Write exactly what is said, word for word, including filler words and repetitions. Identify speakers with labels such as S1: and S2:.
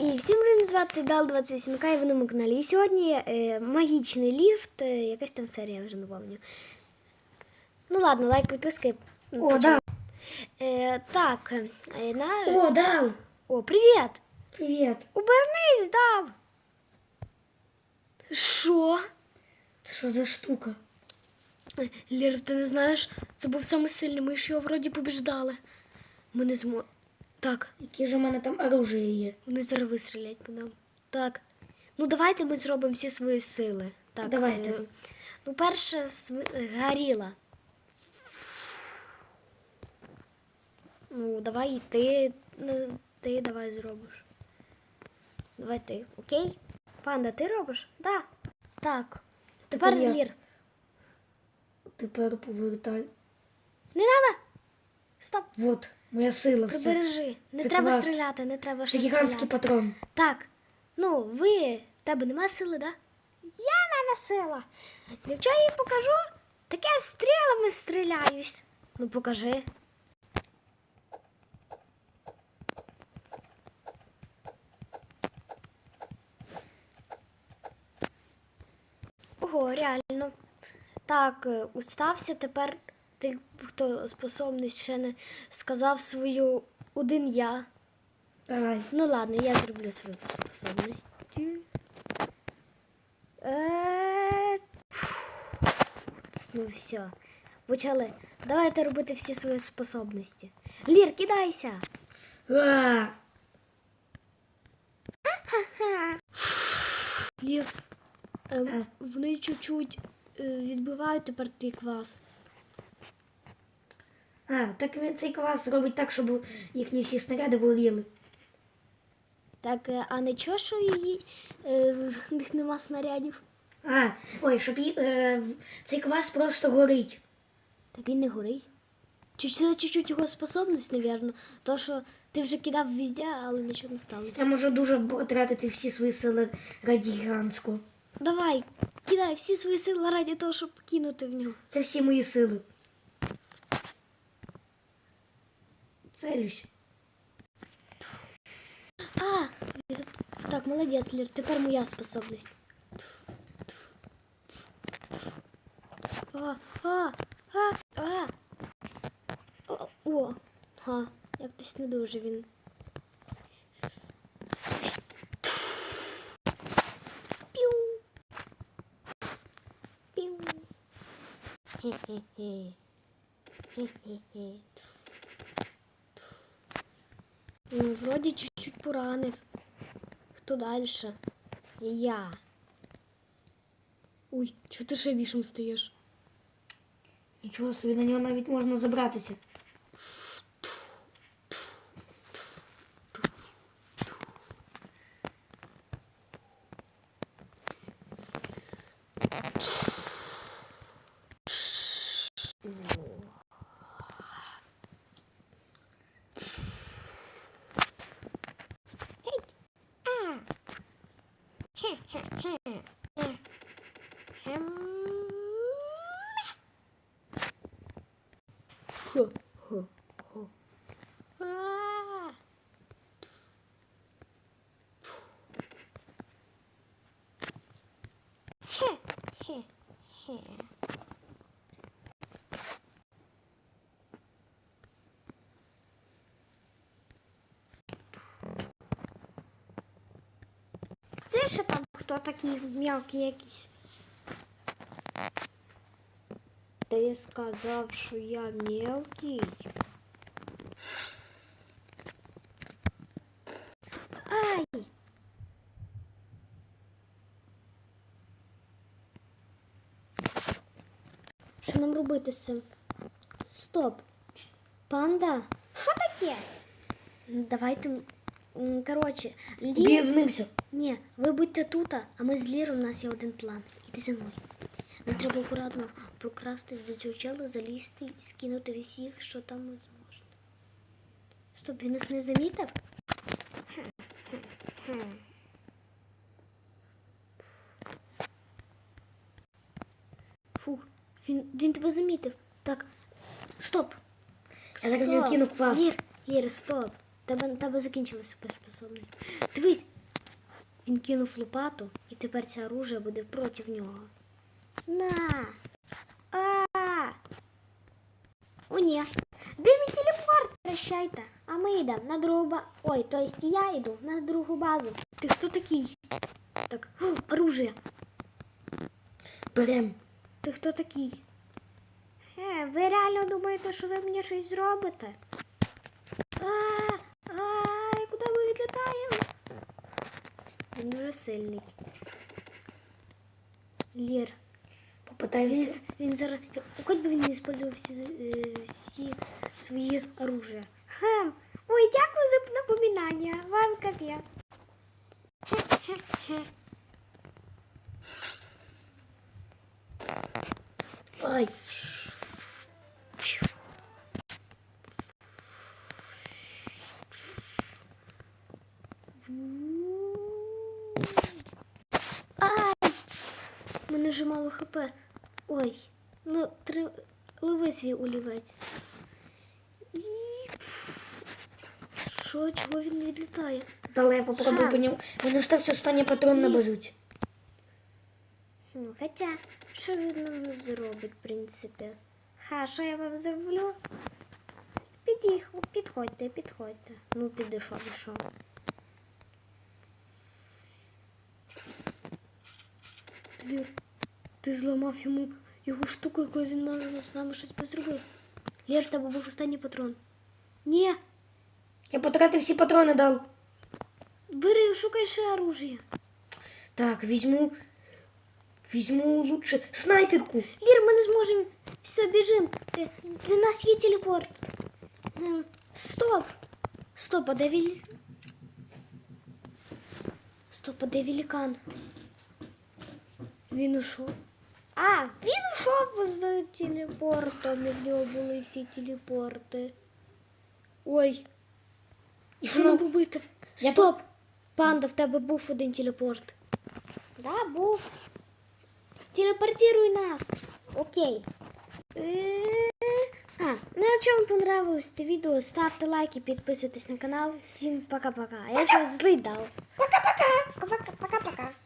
S1: І всім мене звати Дал двадцять вісім К, і ви на моєму каналі. І сьогодні е, магічний ліфт, е, якась там серія, я вже не пам'ятаю. Ну ладно, лайк, підписки.
S2: О, Дал.
S1: Е, так, е, на...
S2: О, Дал.
S1: О, привіт.
S2: Привіт.
S1: Обернись, Дал. Що?
S2: Це що за штука?
S1: Лєра, ти не знаєш, це був самий сильний, ми ж його вроді побіждали. Ми не змо... Так.
S2: Яке ж у мене там оружие є?
S1: Вони зараз вистрілять по нам. Так. Ну давайте ми зробимо всі свої сили. Так,
S2: Давайте.
S1: Е, ну, перше св... горіла. Ну, давай і ти, ну, ти давай зробиш. Давай ти, окей? Панда, ти робиш? Да. Так. Тепер
S2: я.
S1: Лір.
S2: Тепер повертай.
S1: Не треба. Стоп.
S2: Вот, моя сила все.
S1: Прибережи. Не
S2: Це
S1: треба
S2: клас.
S1: стріляти, не треба
S2: Це
S1: ще
S2: гігантський
S1: стріляти.
S2: патрон.
S1: Так, ну ви, в тебе нема сили, да? Я в мене сила. Якщо я їй покажу, так я стрілами стріляюсь. Ну покажи. Ого, реально. Так, е, устався, тепер ти, хто способність ще не сказав свою один я.
S2: Давай.
S1: Ну ладно, я зроблю свою способність. Е, Ну все. Почали. Давайте робити всі свої способності. Лір, кидайся.
S2: А!
S1: Лір, ем, вони чуть-чуть е, відбивають тепер твій квас.
S2: А, так він цей клас робить так, щоб їхні всі снаряди горіли.
S1: Так, е, а не чого, що її, е, в них нема снарядів?
S2: А, ой, щоб ї- е, в- цей квас просто горить.
S1: Так він не горить. Чуть- Це чуть-чуть його способність, напевно. То, що ти вже кидав везде, але нічого не сталося.
S2: Я можу дуже тратити всі свої сили раді гігантського.
S1: Давай, кидай всі свої сили раді того, щоб кинути в нього.
S2: Це всі мої сили. Целюсь.
S1: А, так, молодець, Лір, тепер моя способність. А, а, а, а. О, о, га, як хтось не дуже він. Піу. Піу. Хе-хе-хе. Хе-хе-хе. Ну, вроді чуть-чуть поранив. Хто дальше? Я. Ой, чого ти ще вішом стоїш?
S2: Нічого собі, на нього навіть можна забратися.
S1: Хо, хо, хо. А. Хе, хе, хе. Це ще там хто такий мелкий якийсь? Ти сказав, що я мелкий? Ай! Що нам робити з цим? Стоп! Панда? Що таке? Давайте, м, коротше, Лір...
S2: Об'єднимося.
S1: Ні, ви будьте тут, а ми з Ліром, у нас є один план. Іди за мною. Нам треба акуратно прокрасти до цього чела, залізти і скинути всіх, що там можна. Стоп, він нас не замітив? Фух, він, він тебе замітив. Так, стоп.
S2: Я так в нього кину квас.
S1: Лір, Лір, стоп. Тебе, тебе закінчилась суперспособність. Дивись, Він кинув лопату, і тепер це оружие буде проти нього. На! А! О, ні. Де мій телепорт? Прощайте. А ми йдемо на другу базу. Ой, то есть я йду на другу базу. Ти хто такий? Так, о, оружие.
S2: Берем.
S1: Ти хто такий? Е, ви реально думаєте, що ви мені щось зробите? А, ай, куди ми відлітаємо? Він дуже сильний. Лір. Він,
S2: Попитаємося.
S1: він зараз... Хоч би він не використовував всі, е, всі свої оружия. Хм. Ой, дякую за напоминання. Вам капець. Хе-хе-хе.
S2: Ай.
S1: Ай! У мене вже мало хп. Ой, ну три... Ливи свій олівець. І... Що, чого він не відлітає?
S2: Далі я попробую
S1: Ага.
S2: по ньому. Він остався останній патрон на
S1: Ні.
S2: базуці.
S1: Ну, хоча, що він нам зробить, в принципі? Ха, що я вам зроблю? Підіх, підходьте, підходьте. Ну, підійшов, пішов. Лір, ти зламав йому його штуку, коли він мав з нами щось позробив. Лір, в тебе був останній патрон. Ні,
S2: Я потратив всі патрони дав.
S1: бери, шукай ще оружие.
S2: Так, візьму. Візьму лучше снайперку.
S1: Лір, ми не зможемо. Все, біжим. Е, Для нас є телепорт. М, Стоп. Стоп, а де вілі... Стоп, а де великан? Він ушов. А, він ушов з телепортом, і в нього були всі телепорти. Ой. І що
S2: Ну,
S1: нам робити?
S2: я
S1: Стоп! Панда, в тебе був один телепорт. Да, був. Телепортируй нас. Окей. Е, А, ну якщо вам понравилось це відео, ставте лайки, підписуйтесь на канал. Всім пока-пока. Я щось злий дав. Пока-пока. Пока-пока.